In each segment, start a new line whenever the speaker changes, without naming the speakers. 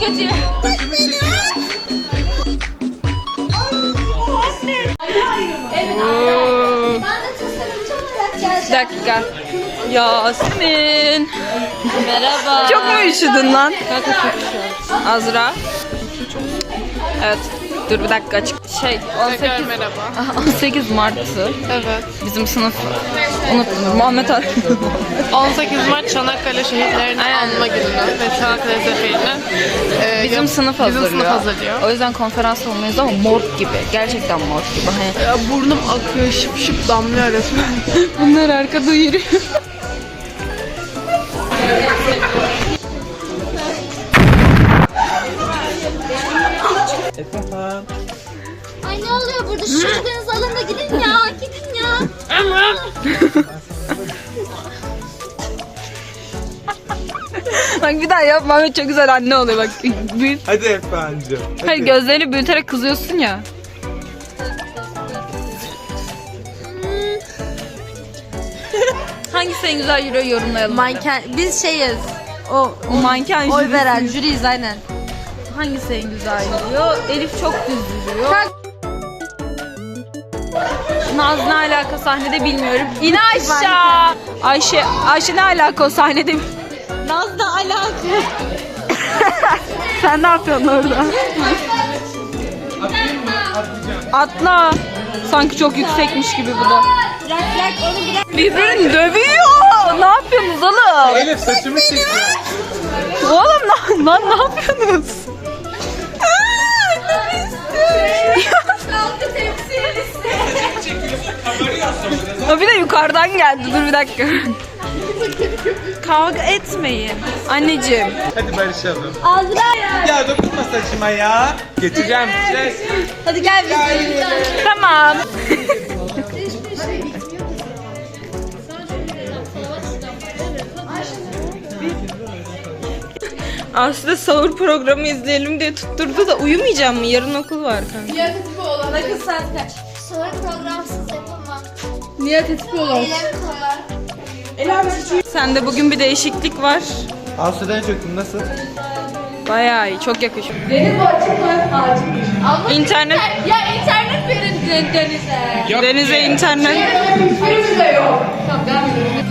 kötü.
Bir dakika. Yasemin.
Merhaba.
Çok mu üşüdün lan?
Kanka çok güzel.
Azra. Evet. Dur bir dakika açık. 18
merhaba.
18 Mart'tı.
Evet.
Bizim sınıf. Unuttum. Muhammed Ali.
18 Mart Çanakkale şehitlerini anma günü ve Çanakkale Zeferi'ni
Bizim sınıf hazırlıyor.
Bizim sınıf hazırlıyor.
O yüzden konferans olmayız ama mort gibi. Gerçekten mort gibi. Hani
Ya burnum akıyor, şıp şıp damlıyor resmen.
bunlar arkada yürüyor.
Ay ne oluyor burada? Şu çocuklarınızı alın da gidin ya. Gidin ya.
Bak bir daha yap. Muhammed çok güzel anne oluyor bak.
Hadi efendim.
Hayır gözlerini büyüterek kızıyorsun ya. Hangisi en güzel yürüyor yorumlayalım.
Manken. Biz şeyiz. O
Manken
oy
jürisi.
veren jüriyiz aynen.
Hangisi en güzel yürüyor? Elif çok düz yürüyor. Naz ne alaka sahnede bilmiyorum. İn aşağı. Ayşe ne alaka o sahnede?
Naz da alakalı.
Sen ne yapıyorsun orada? Atla. Sanki çok yüksekmiş gibi bu da.
Bırak bırak onu bırak.
Birbirini dövüyor. Ne yapıyorsunuz oğlum?
Elif saçımı çekiyor.
Oğlum lan ne yapıyorsunuz? O bir de yukarıdan geldi. Dur bir dakika. Kavga etmeyin. Anneciğim.
Hadi barışalım.
Azra ya.
Ya dokunma saçıma ya. Geçeceğim.
Hadi gel biz.
Tamam. Aslında sahur programı izleyelim diye tutturdu da uyumayacağım mı? Yarın okul var kanka.
Nakıl saat kaç? Sonra programsız yapamam.
Niye tetikli olan?
Eylem koyar.
Sende bugün bir değişiklik var.
Asude'ye çöktüm nasıl?
Bayağı iyi, çok yakışıyor.
Deniz bu açık mı? Açık.
İnternet,
Ya internet verin Deniz'e.
denize internet.
Hiçbirimiz de yok. Tamam devam edelim.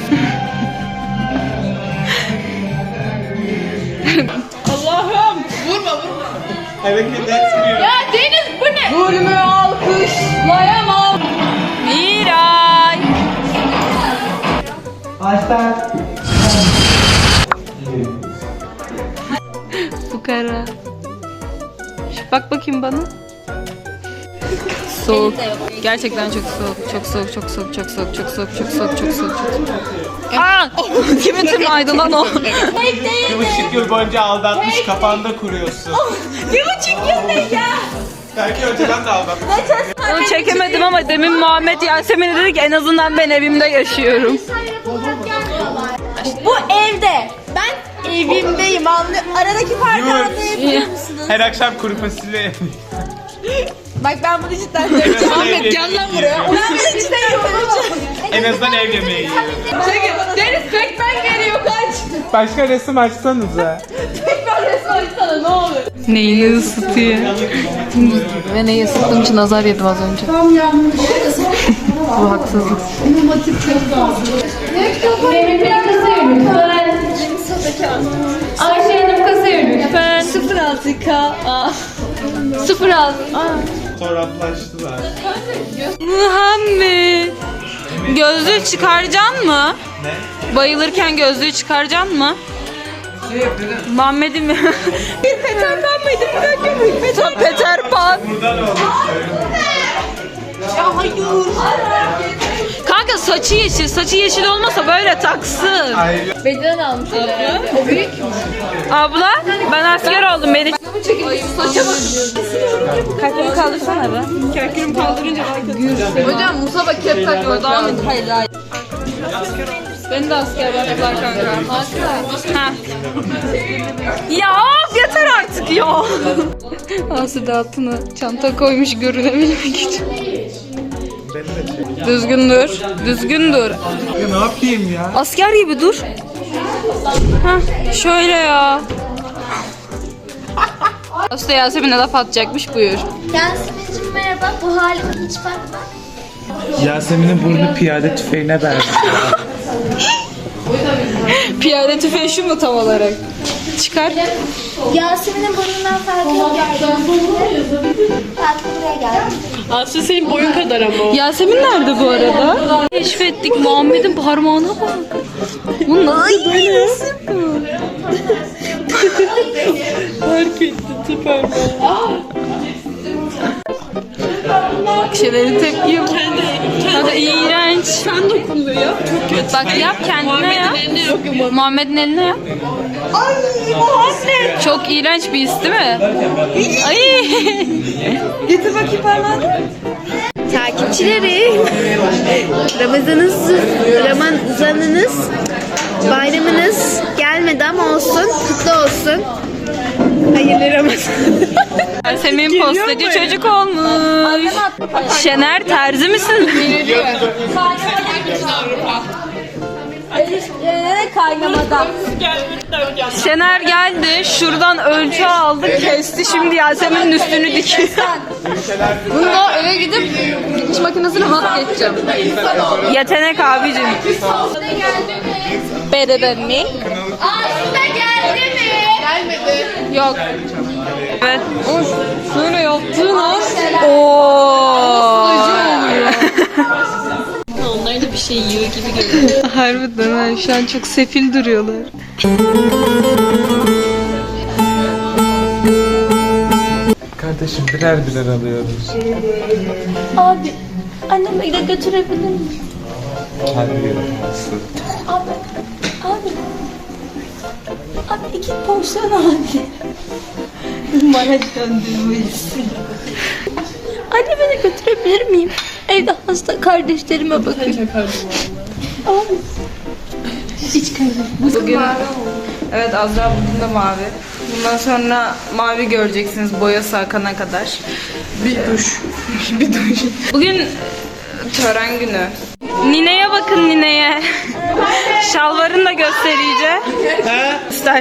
Allah'ım.
Hareket etmiyor.
Ya Deniz bu ne?
Zulmü alkışlayamam. Miray.
Açtan.
Fukara. Bak bakayım bana. Soğuk. Gerçekten çok soğuk. Çok soğuk, çok soğuk, çok soğuk, çok soğuk, çok soğuk, çok soğuk, çok soğuk. Aa! Kimin tırnağıydı lan o?
1,5 yıl boyunca aldatmış kafanda kuruyorsun.
1,5 yıl ne ya?
Belki önceden de aldatmış.
Onu çekemedim ama demin Muhammed Yasemin'e dedi ki en azından ben evimde yaşıyorum.
Bu evde. Ben evimdeyim anlıyor. Aradaki farkı
Yurt.
anlayabiliyor musunuz?
Her akşam kuru fasulye.
Bak ben bunu cidden söyleyeceğim.
Ahmet gel lan buraya.
Ben bunu cidden yapacağım.
En azından ev yemeği yiyorum.
Deniz Pekmen geliyor kaç.
Başka resim açsanıza.
Pekmen resmi açsana ne olur.
Neyini ısıtıyor?
Ve neyi ısıttığım için azar yedim az önce. Bu haksızlık.
Benim bir kasaya lütfen. Ayşe Hanım kasaya lütfen. 06K. 06.
Fotoğraflaştılar.
Muhammed. Gözlüğü çıkaracaksın mı?
Ne?
Bayılırken gözlüğü çıkaracaksın mı?
Ne yapıyorsun?
Muhammed'im. Bir Peter Pan mıydı? Bir dakika. Peter Pan.
Buradan olmuş.
Kanka saçı yeşil. Saçı yeşil olmasa böyle taksın.
Hayır.
Beden almış. O büyük.
Abla ben asker oldum. Beni
Saça bak.
kalkımı kaldırsana be. Kalkımı kaldırınca
Hocam Musa bak kep takıyor.
Daha mı? Hayır hayır. Beni de asker yaptılar kanka. Ha. Ya yeter artık ya. Asude altına çanta koymuş görünebilmek için. Düzgün dur. Düzgün dur.
Ya ne yapayım ya?
Asker gibi dur. Heh, şöyle ya. Usta Yasemin'e laf atacakmış, buyur.
Yasemin'cim merhaba. Bu halime hiç bakma.
Yasemin'in burnu piyade tüfeğine benziyor.
Piyade tüfeği şu mu tam olarak? Çıkar.
Yasemin'in burnundan farkı yok. Farkı buraya geldi.
Aslı senin boyun kadar ama.
Yasemin nerede bu arada? Keşfettik, Muhammed'in parmağına bak. Bu nasıl böyle?
Fark etti süper.
Şeylerin tepki yok. Kanka iğrenç.
Sen dokundu ya. Çok kötü.
Bak yap kendine ya.
Yok yok.
Muhammed'in eline yap. Ay Muhammed. Çok iğrenç bir his değil mi? Ay. Getir bakayım parmağını.
Takipçileri, Ramazanınız, bayramınız gelmedi ama olsun, kutlu olsun. Hayırlı Ramazan.
Yasemin postacı çocuk olmuş. Şener terzi misin?
Kaynamadan.
Şener geldi, şuradan ölçü aldı, kesti. Şimdi Yasemin'in üstünü dikiyor. Bununla eve gidip dikiş makinesini hat geçeceğim. Yetenek abicim. Better than me.
Aslında geldi mi?
Yok. Evet. Şöyle yaptığın an. Ooo.
Onlar da bir şey yiyor gibi geliyor.
Harbiden ha, şu an çok sefil duruyorlar.
Kardeşim birer birer alıyoruz.
Abi, annemi de götürebilir miyim?
Hadi olmasın.
Abi, abi. Abi 2 porsiyon abi. Bana döndürmeyiz. Annemi de götürebilir miyim? Evde hasta kardeşlerime bakın. Abi. Hiç kardeşim.
Bugün evet, Azra bugün de mavi. Bundan sonra mavi göreceksiniz boyası akana kadar. Bir duş. Bir duş. Bugün tören günü. Nineye bakın, nineye. Şalvarını da göstereceğim. Göster.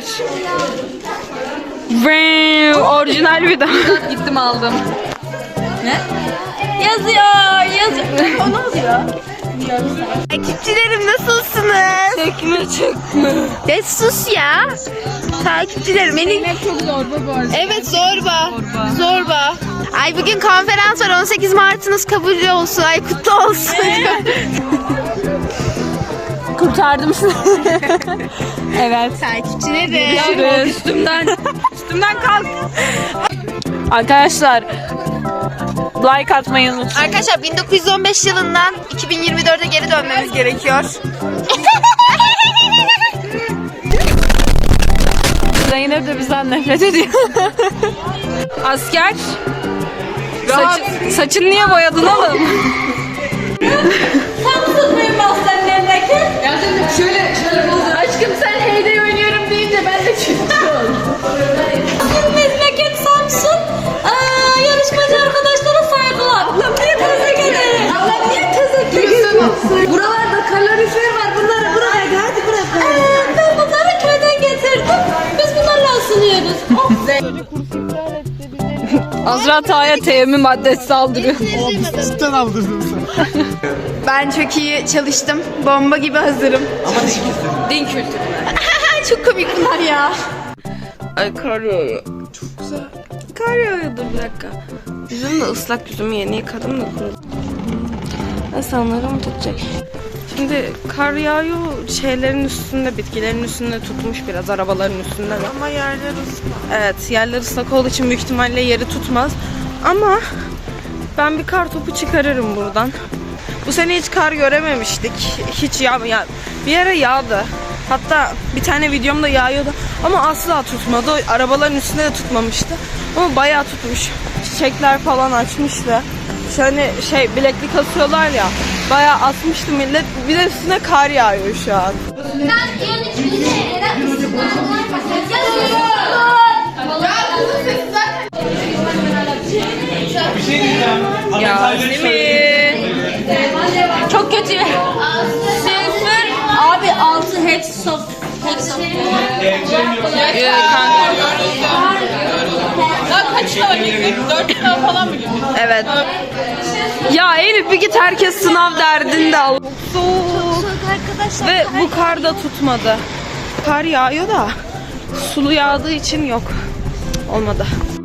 Orijinal bir daha. Gittim aldım. Ne? Yazıyor. O ne oluyor?
Takipçilerim nasılsınız?
Çekme çekme.
Ya sus ya. Takipçilerim beni...
Çok zorba bu arada.
Evet zorba. Zorba. Ay bugün konferans var, 18 Mart'ınız kabul olsun. Ay kutlu olsun.
Kurtardım sizi. Evet.
Takipçilerim.
Üstümden kalk. Arkadaşlar like atmayı unutmayın.
Arkadaşlar 1915 yılından 2024'e geri dönmemiz gerekiyor.
Zeynep de bizden nefret ediyor. Asker. Saçın niye boyadın oğlum?
Benim aslan memleket.
Şöyle
Aşkım sen heyday oynuyorum deyince ben de çıktım. Memleket Samsun. Yarışmacı arkadaşlara saygılar. Ablam niye teze gelir? Ablam niye teze gelir? Buralarda kalorifer var. Bunları buraya hadi bırak. Ben bunları köyden getirdim. Biz bunlarla ısınıyoruz.
Azra Tağ'a teyemmüm maddesi saldırıyor.
Cidden aldırdın sen.
Ben çok iyi çalıştım. Bomba gibi hazırım.
Din kültürü.
Çok komik bunlar ya.
Ay kar yağıyor. Çok güzel. Kar yağıyor, dur bir dakika. Yüzüm de ıslak, yüzümü yeni yıkadım da kurudu. İnsanlarım tutacak. Şimdi kar yağıyor, şeylerin üstünde, bitkilerin üstünde tutmuş biraz, arabaların üstünde de. Ama yerler ıslak. Evet, yerler ıslak olduğu için büyük ihtimalle yeri tutmaz. Ama ben bir kar topu çıkarırım buradan. Bu sene hiç kar görememiştik. Hiç ya bir ara yağdı. Hatta bir tane videomda yağıyordu ama asla tutmadı. O arabaların üstünde de tutmamıştı. Ama bayağı tutmuş. Çiçekler falan açmıştı. Şöyle bileklik asıyorlar ya. Bayağı asmıştı millet. Bir de üstüne kar yağıyor şu an.
Bir şey diyeceğim.
Yasemin.
Çok kötü. 0. Abi 6 hepsi soft. Hepsi soft.
Kanka.
sınava girdik. 4 sınav falan mı girdik?
Evet. Ya Elif bir git, herkes sınav derdinde al. Soğuk.
Arkadaşlar
Ve bu kar da tutmadı. Kar yağıyor da sulu yağdığı için yok. Olmadı.